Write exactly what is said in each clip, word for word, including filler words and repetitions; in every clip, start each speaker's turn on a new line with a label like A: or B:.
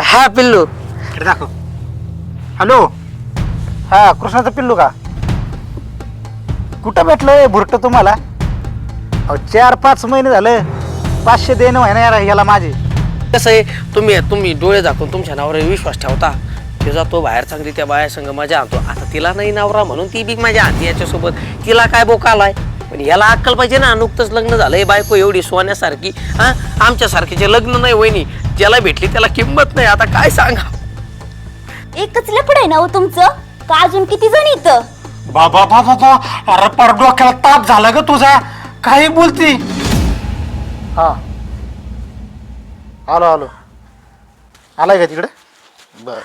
A: हा पिल्लू.
B: इकडे दाखव. हॅलो. हा कृष्णाचं पिल्लू का? कुठं भेटलं भुरट तुम्हाला? अहो चार पाच महिने झालं पाचशे देणं व्हाय ना याला माझे.
A: कसं आहे, तुम्ही तुम्ही डोळे दाखवून तुमच्या नावावर विश्वास ठेवता. ते जातो बाहेर चांगली त्या बाया संग मजा आणतो. आता तिला नाही नवरा म्हणून ती बी माझ्या हाती याच्यासोबत. तिला काय बोका आलाय, पण याला अक्कल पाहिजे ना. नुकतंच लग्न झालंय, बायको एवढी सोन्यासारखी. हा आमच्यासारखीचे लग्न नाही वहिनी, ज्याला भेटली त्याला किंमत नाही. आता काय सांगा.
C: एकच लपड आहे ना हो तुमचं, का अजून किती जण इथं?
B: बाबा बाबा बा अरे पर डोक्याला ताप झाला ग तुझा. काही बोलती? हा आलो आलो. आलाय का तिकडे? बर.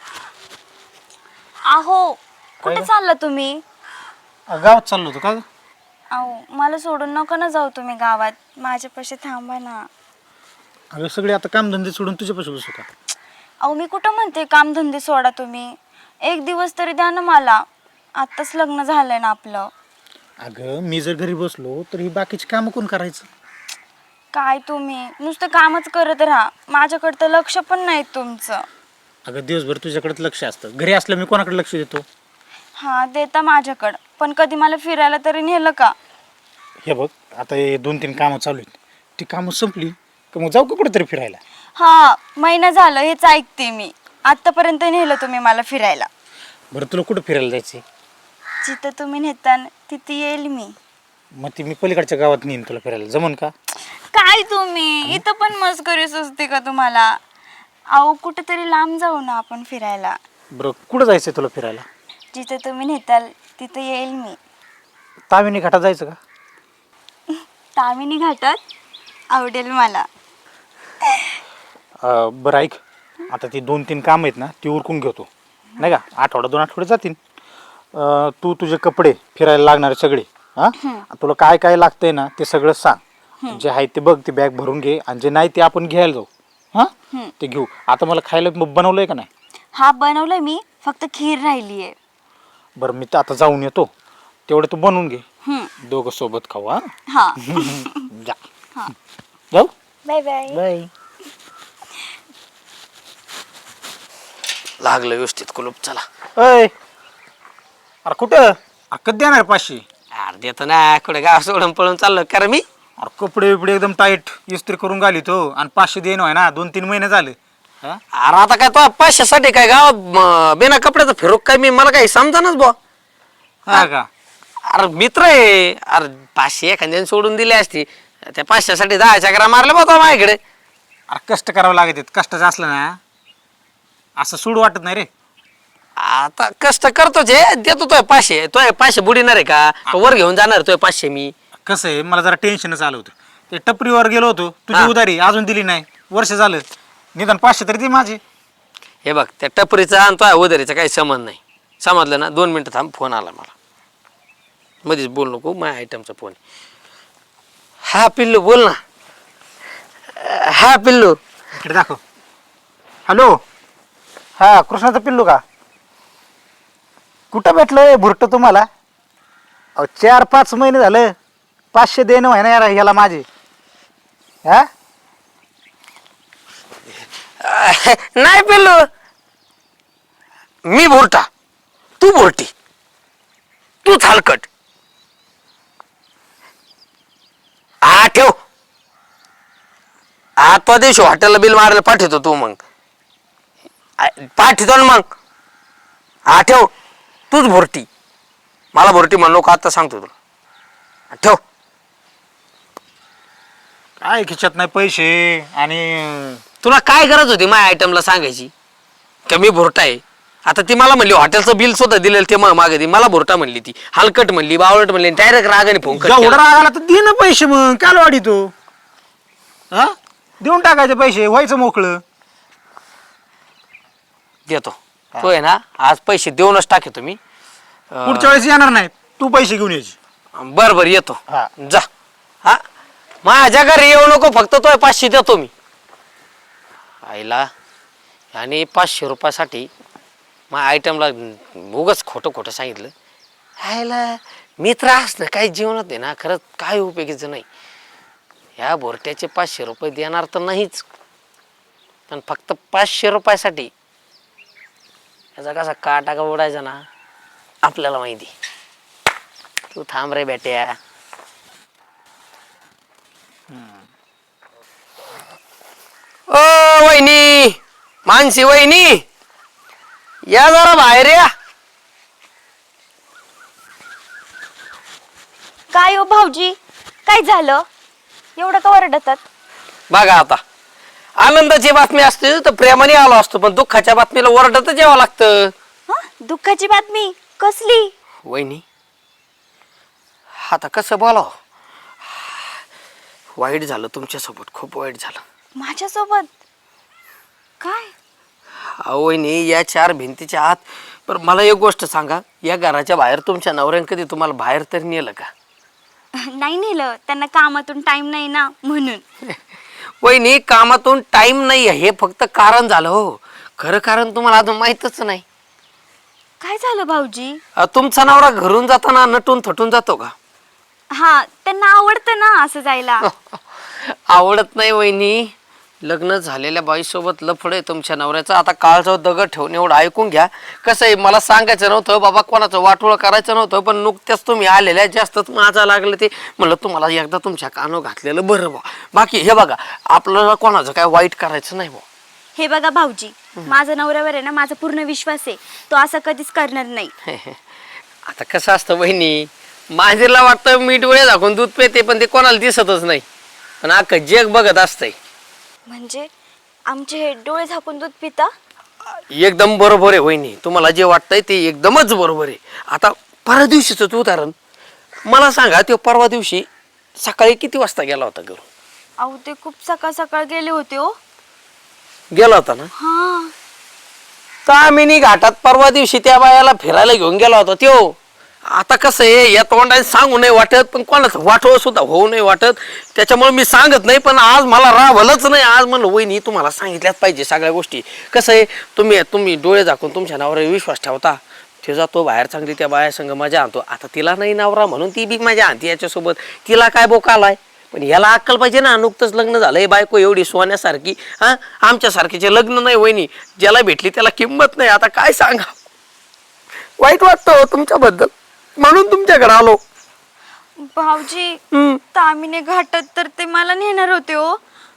C: अहो कुठे
B: काय ग?
C: चालला तुम्ही?
B: गावात चाललो होतो का ग?
C: अहो मला सोडून नका ना जाऊ तुम्ही गावात, माझ्यापाशी थांबा ना.
B: अगं सगळे आता कामधंदे सोडून तुझ्यापाशी बसू का?
C: अहो मी कुठं म्हणते कामधंदे सोडा तुम्ही, एक दिवस तरी द्या ना मला. आत्ताच लग्न झालंय ना आपलं.
B: अगं मी जर घरी बसलो तर ही बाकीची कामं कोण करायचं?
C: काय तुम्ही नुसतं कामच करत राहा, माझ्याकडे तर लक्ष पण नाही तुमचं.
B: अगं दिवसभर तुझ्याकडेच लक्ष असतं, घरी असलं मी कोणाकडे लक्ष देतो?
C: हा देता माझ्याकडं, पण कधी मला फिरायला तरी नेलं का?
B: हे बघ आता हे दोन तीन कामं चालू आहेत, ती कामं संपली का मग जाऊ का कुठेतरी फिरायला?
C: हा महिना झालं हेच ऐकते मी. आतापर्यंत नेलं तुम्ही मला फिरायला.
B: बरं तुला कुठं फिरायला जायचं?
C: जिथं तुम्ही नेता तिथे येईल मी.
B: मग ती मी पलीकडच्या गावात नेईन तुला फिरायला, जमन का?
C: काय तुम्ही इथं पण मस्करी सुचते का तुम्हाला? अहो कुठेतरी लांब जाऊ ना आपण फिरायला.
B: बरं कुठं जायचं तुला फिरायला?
C: जिथं तुम्ही नेताल तिथं येईल मी.
B: तामिनी घाटात जायचं का?
C: तामिनी घाटात आवडेल मला.
B: अं, बरं ऐक, आता ती दोन तीन कामं आहेत ना ती उरकून घेतो नाही का, आठवडा दोन आठवडे जातील. अं, तू तुझे कपडे फिरायला लागणारे सगळे, हां तुला काय काय लागतंय ना ते सगळं सांग. जे आहे ते बघ, ती बॅग भरून घे, आणि जे नाही ते आपण घ्यायला जाऊ. हां ते घेऊ. आता मला खायला बनवलंय का नाही?
C: हा बनवलंय मी, फक्त खीर राहिली आहे.
B: बरं मी तर आता जाऊन येतो, तेवढं तू बनवून घे,
C: हम्म.
B: दोघं सोबत खाऊ. हां
C: हा
B: जा. जाऊ.
C: Bye bye.
B: बाय.
A: लागलं व्यवस्थित कुलूप. चला.
B: अय अरे कुठं? अक्कत देणार पाचशे?
A: अरे देतो ना, कुठे गाव सोडून पळून चाललो कारण मी.
B: अरे कपडे बिपडे एकदम टाईट इस्त्री करून घाली तो, आणि पाचशे देणं आहे ना, दोन तीन महिने झाले. हा
A: अरे आता काय तो पाचशेसाठी काय गावात बिना कपड्याचं फिरोक काय मी, मला काही समजानच बुवा.
B: हा का?
A: अरे मित्र आहे. अरे पाचशे एखाद्याने सोडून दिली असती, त्या पाचशेसाठी दहा चकरा मारल्या बघा माझ्याकडे.
B: अरे कष्ट करावं लागत आहेत, कष्टाचं असलं ना असं सूड वाटत नाही रे.
A: आता कष्ट करतोच आहे, देतो तोय पाचशे. तोय पाचशे बुडीणार आहे का? तो वर घेऊन जाणार तोय पाचशे मी.
B: कसं आहे, मला जरा टेन्शनच आलं होतं. ते टपरीवर गेलो होतो, तुझी
A: हा.
B: उधारी अजून दिली नाही, वर्ष झालं. निदान पाचशे तरी दे माझे.
A: हे बघ, त्या टपरीचा आणि तोय उधारीचा काही संबंध नाही. समजलं ना? दोन मिनिटं थांब, फोन आला मला. मध्येच बोल नको, माझ्या आयटमचा फोन. हा पिल्लू बोल ना. हा पिल्लू.
B: इकडे दाखव. हॅलो. हा कृष्णाचं पिल्लू का? कुठं भेटलं भुरट तुम्हाला? अहो चार पाच महिने झालं पाचशे देणं व्हाय ना याला माझे. हा
A: नाही पिल्लू, मी भोरटा, तू भोरटी, तूच हलकट. हा ठेव. आता दिवशी हॉटेलला बिल मारायला पाठवतो तू, मग पाठवतो ना मग. हा ठेव. तूच भोरटी, मला भोरटी म्हणलो का आता सांगतो तुला. ठेव.
B: काय खिचत नाही पैसे, आणि
A: तुला काय गरज होती माझ्या आयटमला सांगायची का मी भोरटा आहे? आता ती मला म्हणली हॉटेलचं बिल सुद्धा दिलेलं ते मग मागे ती मला भोरटा म्हणली, ती हलकट म्हणली, बावळट म्हणली, डायरेक्ट रागाने फोन कर.
B: एवढा राग आला तर दे ना पैसे, मग काय वाढी तू? हा देऊन टाकायचे पैसे, व्हायचं मोकळं.
A: देतो तो आहे ना, आज पैसे देऊनच टाके तुम्ही.
B: पुढच्या वेळेस येणार नाही, तू पैसे घेऊन यायचे.
A: बर बर येतो.
B: हा.
A: जा. हा माझ्या घरी येऊ नको, फक्त तो पाचशे देतो मी. आईला आणि पाचशे रुपयासाठी मग आयटमला उगाच खोटं खोटं सांगितलं. आईला मित्र असणं काही जीवनात आहे ना, खरंच काय उपयोगीचं नाही. ह्या भोरट्याचे पाचशे रुपये देणार तर नाहीच. पण फक्त पाचशे रुपयासाठी याचा कसा काटा का उडायचा ना आपल्याला माहिती. तू थांब रे बेट्या. ओ वहिनी, मानसी वहिनी, या जरा बाहेर या.
C: काय हो भाऊजी, काय झालं एवढं का ओरडतात?
A: बघा आता, आनंदाची बातमी असते तर प्रेमाने आलो असतो, पण दुःखाच्या बातमीला ओरडतच यावं लागतं.
C: हा, दुःखाची बातमी कसली?
A: वहिनी, आता कसं बोलाव, वाईट झालं तुमच्यासोबत, खूप वाईट झालं.
C: माझ्यासोबत काय?
A: अहो वहिनी, या चार भिंतीच्या आत. पण मला एक गोष्ट सांगा, या घराच्या बाहेर तुमच्या नवऱ्याने कधी तुम्हाला बाहेर तरी नेलं का?
C: नाही नेलं, त्यांना कामातून टाइम नाही ना म्हणून.
A: वहिनी, कामातून टाइम नाही हे फक्त कारण झालं हो. खरं कारण तुम्हाला अजून माहीतच नाही.
C: काय झालं भाऊजी?
A: अ, तुमचा नवरा घरून जाताना नटून थटून जातो का?
C: हा, त्यांना आवडतं ना असं जायला.
A: आवडत नाही वहिनी, लग्न झालेल्या बाईसोबत लफड आहे तुमच्या नवऱ्याचं. आता काळजावर दगड ठेवून एवढं ऐकून घ्या. कसं आहे, मला सांगायचं नव्हतं बाबा, कोणाचं वाटोळं करायचं नव्हतं, पण नुकत्याच तुम्ही आलेल्या जास्तच माझा लागलं ते म्हणलं तुम्हाला एकदा तुमच्या कानो घातलेलं बरं बा. बाकी हे बघा, आपल्याला कोणाचं काय वाईट करायचं नाही बा.
C: हे बघा भाऊजी, माझा नवऱ्यावर आहे ना माझा पूर्ण विश्वास आहे, तो असं कधीच करणार नाही.
A: आता कसं असतं वहिनी, माझीला वाटतं मी डोळे झाकून दूध पिते, पण ते कोणाला दिसतच नाही, पण अख्खं जग बघत असतंय.
C: म्हणजे आमचे हे डोळे झाकून दूध पिता?
A: एकदम बरोबर आहे वहिनी, तुम्हाला जे वाटतंय ते एकदमच बरोबर आहे. आता परवा दिवशीच उदाहरण मला सांगा, तो परवा दिवशी सकाळी किती वाजता गेला होता घरून?
C: अहो ते खूप सकाळ सकाळ गेले होते हो.
A: गेला होता ना?
C: हा,
A: तामिनी घाटात परवा दिवशी त्या बायाला फिरायला घेऊन गेला होता त्यो. आता कसं आहे, या तोंडाने सांगू नाही वाटत, पण कोणाचं वाटवं सुद्धा होऊ नाही वाटत, त्याच्यामुळे मी सांगत नाही. पण आज मला रावलंच नाही. आज म्हणलं वहिनी तुम्हाला सांगितल्याच पाहिजे सगळ्या गोष्टी. कसं आहे, तुम्ही तुम्ही डोळे झाकून तुमच्या नावावर विश्वास ठेवता, ते जातो बाहेर चांगली त्या बाया संग मजा आणतो. आता तिला नाही नवरा म्हणून ती बी मजा आणते याच्यासोबत. तिला काय बोका आलाय, पण याला अक्कल पाहिजे ना. नुकतंच लग्न झालंय, बायको एवढी सोन्यासारखी, हा आमच्यासारखीचे लग्न नाही वहिनी, ज्याला भेटली त्याला किंमत नाही. आता काय सांगा, वाईट वाटतं तुमच्याबद्दल, म्हणून तुमच्याकडे आलो.
C: भाऊजी,
A: हम्म.
C: तामिने घाटात तर ते मला नेणार होते हो.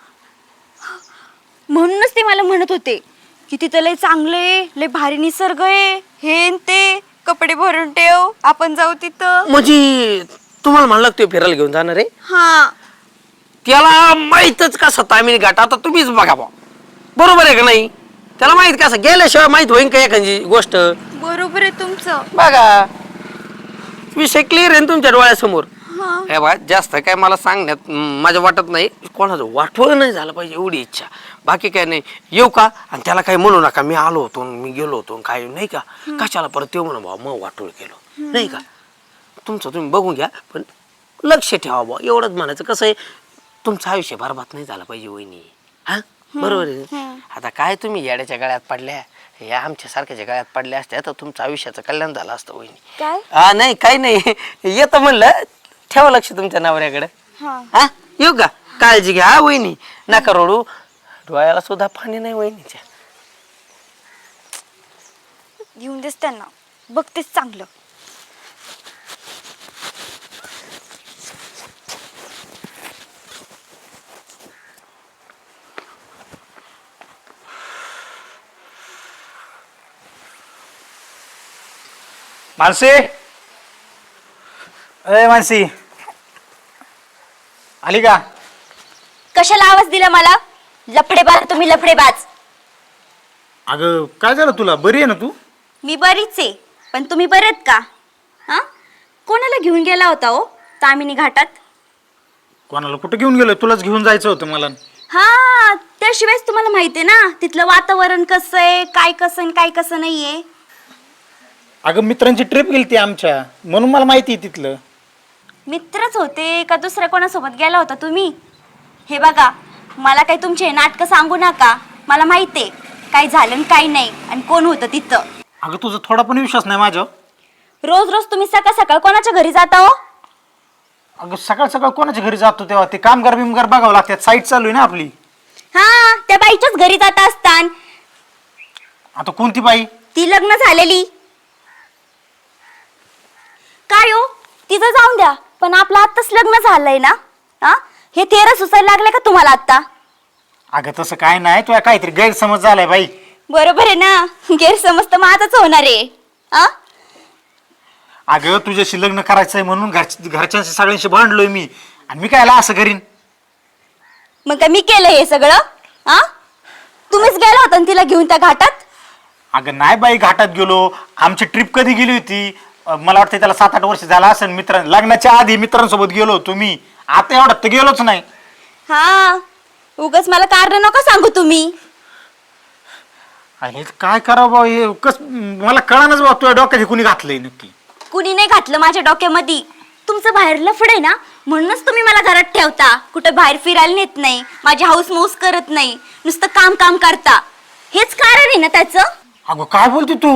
C: म्हणूनच ते मला म्हणत होते की तिथं लय चांगले, लय भारी निसर्ग आहे, हे न ते, कपडे भरून ठेव, आपण जाऊ तिथं.
A: म्हणजे तुम्हाला म्हणलं ते फिरायला घेऊन जाणार आहे?
C: हा,
A: त्याला माहीतच कसं तामिनी घाट, आता तुम्हीच बघा बा, बरोबर आहे का नाही? त्याला माहित कसं, गेल्याशिवाय माहित होईन का एखादी गोष्ट?
C: बरोबर आहे तुमचं.
A: बघा, विषय क्लिअर आहे ना तुमच्या डोळ्यासमोर.
C: हा,
A: हे बा, जास्त काय मला सांगण्यात म, माझं वाटत नाही. कोणाचं वाटवं नाही झालं पाहिजे एवढी इच्छा, बाकी काय नाही. येऊ का? आणि त्याला काही म्हणू नका, मी आलो होतो, मी गेलो होतो, काय नाही का, कशाला परत येऊ म्हणा भाऊ, मग वाटोळ केलं नाही का. तुमचं तुम्ही बघून घ्या, पण लक्ष ठेवा बा, एवढंच म्हणायचं. कसं आहे, तुमचं आयुष्य बरबाद नाही झालं पाहिजे वहिनी, हा बरोबर आहे. आता काय तुम्ही येड्याच्या गळ्यात पडल्या, या आमच्या सारख्याच्या गळ्यात पडल्या असत्या तर तुमचं आयुष्याचं कल्याण झालं असतं वहिनी.
C: काय?
A: हा नाही, काही नाही, येतं म्हणलं, ठेवा लक्ष तुमच्या नवऱ्याकडे.
C: हा,
A: हा येऊ का? काळजी घ्या हा वहिनी, नका रडू, डोळ्याला सुद्धा पाणी नाही वहिनीच्या.
C: घेऊन देस त्यांना, बघतेच चांगलं.
B: मानसी, अरे मानसी, आली का?
C: कशाला आवाज दिला मला? लफडेबाज तुम्ही, लफडेबाज.
B: अगं काय झालं तुला, बरी आहे ना तू?
C: मी बरीच आहे, पण तुम्ही बरेत का? हा, कोणाला घेऊन गेला होता हो तामिनी घाटात?
B: कोणाला कुठं घेऊन गेलो? तुलाच घेऊन जायचं होतं मला.
C: हा, त्याशिवायच तुम्हाला माहिती आहे ना तिथलं वातावरण कसं आहे, काय कसं आणि काय कसं नाहीये.
B: अगं मित्रांची ट्रिप गेली ती आमच्या, म्हणून मला माहिती आहे तिथलं.
C: मित्रच होते का दुसऱ्या कोणासोबत गेला होता तुम्ही? हे बघा, मला काही तुमचे नाटकं सांगू नका, मला माहिती आहे काय झालं आणि काय नाही आणि कोण होतं तिथं.
B: अगं तुझा थोडा पण विश्वास नाही माझ्यावर.
C: रोज रोज तुम्ही सकाळ सकाळ कोणाच्या घरी जाता हो?
B: अगं सकाळ सकाळ कोणाच्या घरी जातो तेव्हा ते कामगार बिमगार बघावं लागतात, साईट चालू आहे ना आपली.
C: हा त्या बाईच्याच घरी जात असतान.
B: आता कोणती बाई?
C: ती लग्न झालेली. काय हो तिचं जाऊन द्या, पण आपलं आत्ताच लग्न झालंय ना. हा हे तेरा सुसायला लागले का तुम्हाला आता?
B: अगं तसं काय नाही, तुला काहीतरी गैरसमज झालाय बाई.
C: बरोबर आहे ना, गैरसमज तर माझाच होणार आहे. हा
B: अगं तुझ्याशी लग्न करायचंय म्हणून घर घरच्यांशी सगळ्यांशी भांडलोय मी, आणि मी कायला असं करीन?
C: मग काय मी केलं हे सगळं? हा तुम्हीच गेला होता ना तिला घेऊन त्या घाटात?
B: अगं नाही बाई, घाटात गेलो. आमची ट्रिप कधी गेली होती? अं, मला वाटतं त्याला सात आठ वर्ष झाला असेल. मित्रां लग्नाच्या आधी मित्रांसोबत गेलो होतो मी. आता एवढ्यात तर गेलोच नाही.
C: हा उगाच मला कारण नका सांगू तुम्ही.
B: आणि काय करावं बा, हे कस मला कळानच बा तुझ्या डोक्यात हे कुणी घातलंय नक्की.
C: कुणी नाही घातलं माझ्या डोक्यामध्ये. तुमचं बाहेर लफड आहे ना, म्हणूनच तुम्ही मला घरात ठेवता. कुठं बाहेर फिरायला नेत नाही, माझी हाऊस मौस करत नाही, नुसतं काम काम करता. हेच कारण आहे ना त्याचं.
B: अगं काय बोलते तू?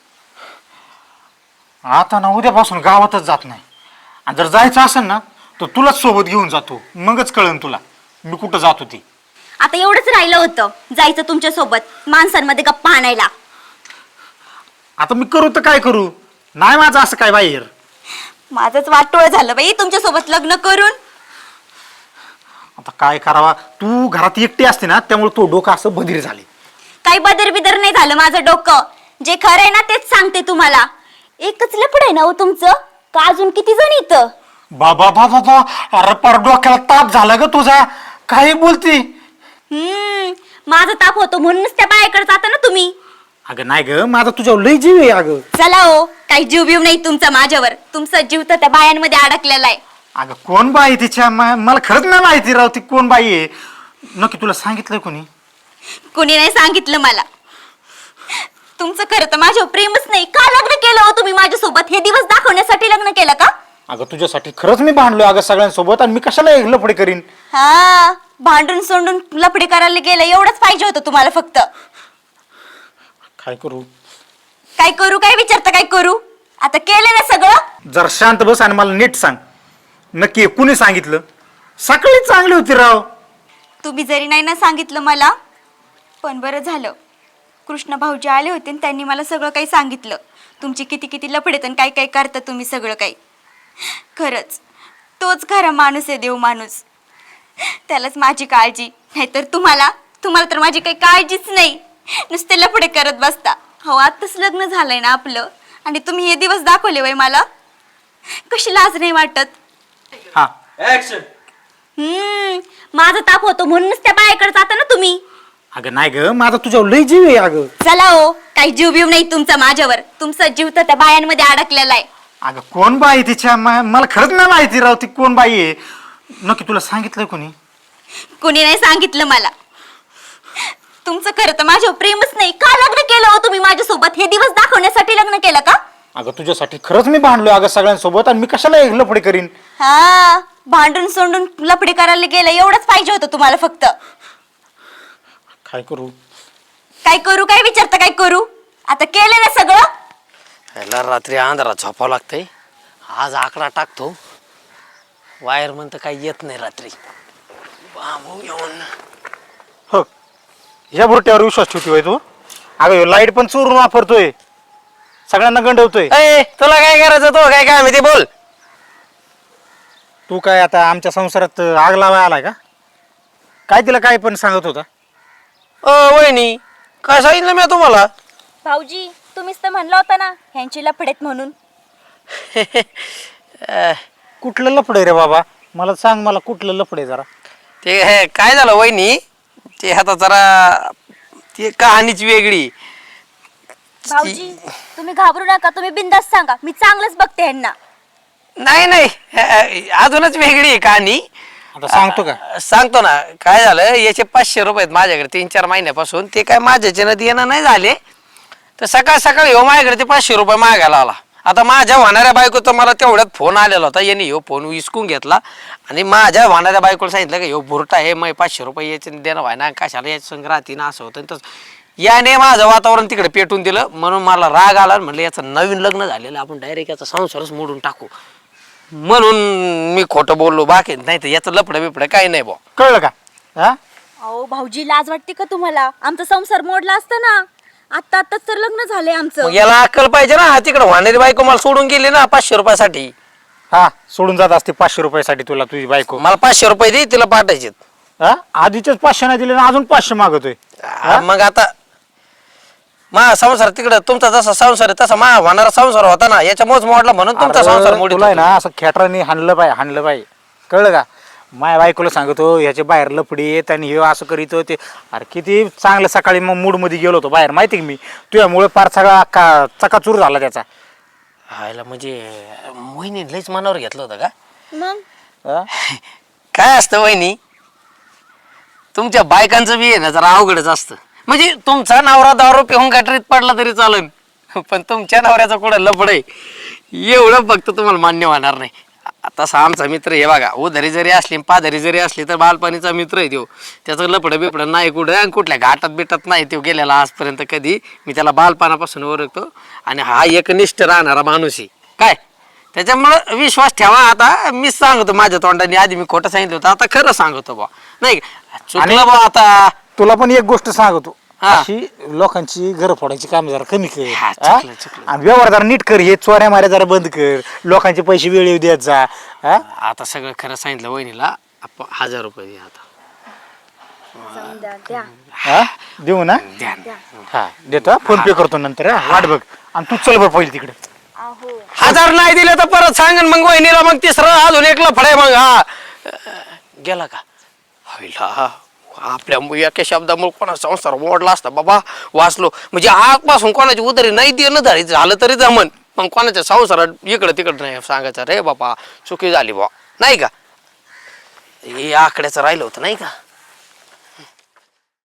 B: आता ना उद्यापासून गावातच जात नाही, आणि जर जायचं असेल ना तर तुलाच सोबत घेऊन जातो, मगच कळन तुला मी कुठं जातो ती.
C: आता एवढंच राहिलं होतं जायचं तुमच्या सोबत माणसांमध्ये गप्पा आणायला.
B: आता मी करू तर काय करू? नाही माझं असं काय बाहेर.
C: माझंच वाटोळ झालं बाई तुमच्या सोबत लग्न करून.
B: आता काय करावा? तू घरात एकटी असते ना, त्यामुळे तो डोकं असं बधीर झाले.
C: काही बदर बिदर नाही झालं माझं डोकं. जे खरं आहे ना तेच सांगते तुम्हाला. एकच लफड आहे ना हो तुमचं, का अजून किती जण इथं?
B: बाबा बाबा बा, अरे पर डोक्याला ताप झाला ग तुझा. काय बोलती?
C: हम्म माझा ताप होतो म्हणूनच त्या बायाकडे जाता ना तुम्ही.
B: अगं नाही ग, माझा तुझ्यावर लय जीव आहे. अगं
C: चला हो, काही जीव बीव नाही तुमचा माझ्यावर. तुमचा जीव तर त्या बायांमध्ये अडकलेला आहे.
B: अगं कोण बाई तिच्या? मा- मला खरंच नाही माहिती राव ती कोण बाई आहे. नक्की तुला सांगितलंय कोणी?
C: कुणी नाही सांगितलं मला. तुमचं खरं तर माझ्यावर प्रेमच नाही. का लग्न केलं हो तुम्ही माझ्यासोबत? हे दिवस दाखवण्यासाठी लग्न केलं का?
B: अगं तुझ्यासाठी खरंच मी भांडलोय अगं सगळ्यांसोबत, आणि मी कशाला एक लफडे करीन?
C: हा भांडून सोडून लफडी करायला गेलं एवढंच पाहिजे होतं तुम्हाला फक्त.
B: काय करू?
C: काय करू काय विचारता? काय करू? आता केलं ना सगळं.
B: जरा शांत बस आणि मला नीट सांग, नक्की कुणी सांगितलं? सकाळी चांगली होती राव.
C: तुम्ही जरी नाही ना सांगितलं मला, पण बरं झालं कृष्ण भाऊजी आले होते आणि त्यांनी मला सगळं काही सांगितलं. तुमची किती किती लफडेत आणि काय काय करता तुम्ही सगळं काही. खरंच तोच खरा माणूस आहे, देव माणूस. त्यालाच माझी काळजी. नाहीतर तुम्हाला तुम्हाला तर माझी काही काळजीच नाही. नुसते लफडे करत बसता. हो आत्ताच लग्न झालंय ना आपलं, आणि तुम्ही हे दिवस दाखवले वय मला. कशी लाज नाही वाटत?
B: हा
C: हम्म माझा ताप होतो म्हणूनच त्या बायाकडे जाता ना तुम्ही.
B: अगं नाही ग, माझा तुझ्यावर लय जीव आहे. अगं
C: चला हो, काही जीव बीव नाही तुमचा माझ्यावर. तुमचा जीव तर त्या बायांमध्ये अडकलेला आहे.
B: अगं कोण बाई तिच्या? मा- मला खरंच नाही माहिती राव ती कोण बाई आहे. नक्की तुला सांगितलंय कोणी?
C: कुणी नाही सांगितलं मला. तुमचं खरं तर माझ्यावर प्रेमच नाही. का लग्न केलं हो तुम्ही माझ्यासोबत? हे दिवस दाखवण्यासाठी लग्न केलं का?
B: अगं तुझ्यासाठी खरंच मी भांडलोय अगं सगळ्यांसोबत, आणि मी कशाला एक लफडे करीन?
C: हा भांडून सोडून लफडी करायला गेलं एवढंच पाहिजे होतं तुम्हाला फक्त.
B: काय करू?
C: काय करू काय विचारता? काय करू? आता केलं ना सगळं.
A: ह्याला रात्री अंधारात झोपावं लागतंय. आज आकडा टाकतो. वायर म्हणतं काही येत नाही रात्री. बांबू घेऊन
B: हो, ह्या बुरट्यावर विश्वास ठेवतोय होय तू? अगं लाईट पण चोरून वापरतोय, सगळ्यांना गंडवतोय.
A: ए तुला काय करायचं? तो काय काय माहिती बोल.
B: तू काय आता आमच्या संसारात आग लावाय आलाय का? काय तिला काय पण सांगत होता?
A: अ वहिनी काय सांगितलं मी तुम्हाला?
C: भाऊजी तुम्हीच तर म्हणला होता ना ह्यांची लफडेत म्हणून.
A: अ,
B: कुठलं लफडे रे बाबा? मला सांग, मला कुठलं लफडे जरा.
A: ते हे काय झालं वहिनी, ते आता जरा ती कहाणीच वेगळी.
C: भाऊजी तुम्ही घाबरू नका, तुम्ही बिंदास सांगा. मी चांगलंच बघते ह्यांना.
A: नाही नाही अ, अजूनच वेगळी आहे कहाणी.
B: आता सांगतो का?
A: अ, सांगतो ना. काय झालं, याचे पाचशे रुपये आहेत माझ्याकडे तीन चार महिन्यापासून. ते काय माझ्याच्या नदी येणं नाही झाले, तर सकाळ सकाळी हो माझ्याकडे ते पाचशे रुपये मागायला आला. आता माझ्या होणाऱ्या बायकोचा मला तेवढ्यात फोन आलेला होता. याने ह्यो फोन विसकून घेतला आणि माझ्या होणाऱ्या बायकोला सांगितलं की ह्यो बुरटा आहे, मग पाचशे रुपये याचे देणं व्हाय ना, कशाला याच्या संग राहते ना, असं होतं. तसं याने माझं वातावरण तिकडे पेटून दिलं. म्हणून मला राग आला. म्हणलं याचं नवीन लग्न झालेलं, आपण डायरेक्ट याचा संसारच मोडून टाकू. म्हणून मी खोटं बोललो, बाकी नाही तर याचं लफडं बिफडं काही नाही भाऊ.
B: कळलं का? हा,
C: अहो भाऊजी लाज वाटते का तुम्हाला? आमचा संसार मोडला असता ना. आत्ता आत्ताच तर लग्न झालंय आमचं.
A: मग याला अक्कल पाहिजे ना. तिकडे वाहणारी बायको मला सोडून गेली ना पाचशे रुपयासाठी.
B: हा सोडून जात असते पाचशे रुपयासाठी तुला तुझी बायको.
A: मला पाचशे रुपये दे, तिला पाठायचे.
B: हा आधीचेच पाचशे नाही दिले ना अजून पाचशे मागतोय.
A: मग आता मा संसार तिकडे तुमचा जसा संसार आहे तसा मा होणारा संसार होता ना, याच्यामुळेच मोडला म्हणून तुमचा संसार
B: अरे,
A: मोडीत
B: तुला आहे
A: होता.
B: ना असं खेटराने हाणलं पाहिजे हाणलं पाहिजे कळलं का? माय बायकोला सांगतो ह्याच्या बाहेर लफडी येत आणि हे असं करीत ते. अरे किती चांगलं सकाळी मग मूड मध्ये गेलो होतो बाहेर माहिती का मी. तुझ्यामुळे फार सगळा का चकाचूर झाला त्याचा.
A: हायला म्हणजे वहिनी लयच मनावर घेतलं होतं का?
C: मग
B: हा?
A: काय असतं वहिनी, तुमच्या बायकांचं बी आहे ना जरा अवघडच असतं. म्हणजे तुमचा नवरा दारू पिऊन गटरीत पडला तरी चालेल, पण तुमच्या नवऱ्याचा कुठं लफड आहे एवढं फक्त तुम्हाला मान्य होणार नाही. तसा आमचा मित्र हे बघा, उधारी जरी असली पाधारी जरी असली तर बालपणीचा मित्र आहे तो. त्याचं लफडं बिपडं नाही कुठं आणि कुठल्या घाटात बिटात नाही तो गेलेला आजपर्यंत कधी. मी त्याला बालपणापासून ओळखतो आणि हा एकनिष्ठ राहणारा माणूस आहे काय. त्याच्यामुळं विश्वास ठेवा. आता मीच सांगतो माझ्या तोंडाने, आधी मी खोटं सांगितलं होतं आता खरं सांगतो बा. नाही चुकलं बा आता.
B: तुला पण एक गोष्ट सांगतो,
A: हा.
B: अशी लोकांची घर फोडायची काम जरा कमी कर.
A: हा,
B: हा?
A: चुकलं, चुकलं.
B: आणि व्यवहार जरा नीट कर. हे चोऱ्या माऱ्या जरा बंद कर. लोकांचे पैसे वेळेवर देत जा. हा?
A: आता सगळं खरं सांगितलं वहिनीला. आप- हजार रुपये द्या आता.
C: द्या.
B: हा? देऊ ना?
A: द्या.
B: हा देतो. फोन पे करतो नंतर. हा? वाट बघ. आणि तू चल बरं पहिले तिकडे.
C: अहो
A: हजार नाही दिले तर परत सांगन मग वहिनीला. मग तिसरं अजून एक लफडे मग. हा गेला का? होईला आपल्या एका शब्दामुळे कोणा संसार मोडला असता बाबा. वाचलो म्हणजे आजपासून कोणाची उधारी नाही देणं झाली झालं तरी जमन, मग कोणाच्या संसारात इकडं तिकडं नाही सांगायचं रे बाबा चुकी झाली बा नाही का. हे आकड्याचं राहिलं होतं नाही का.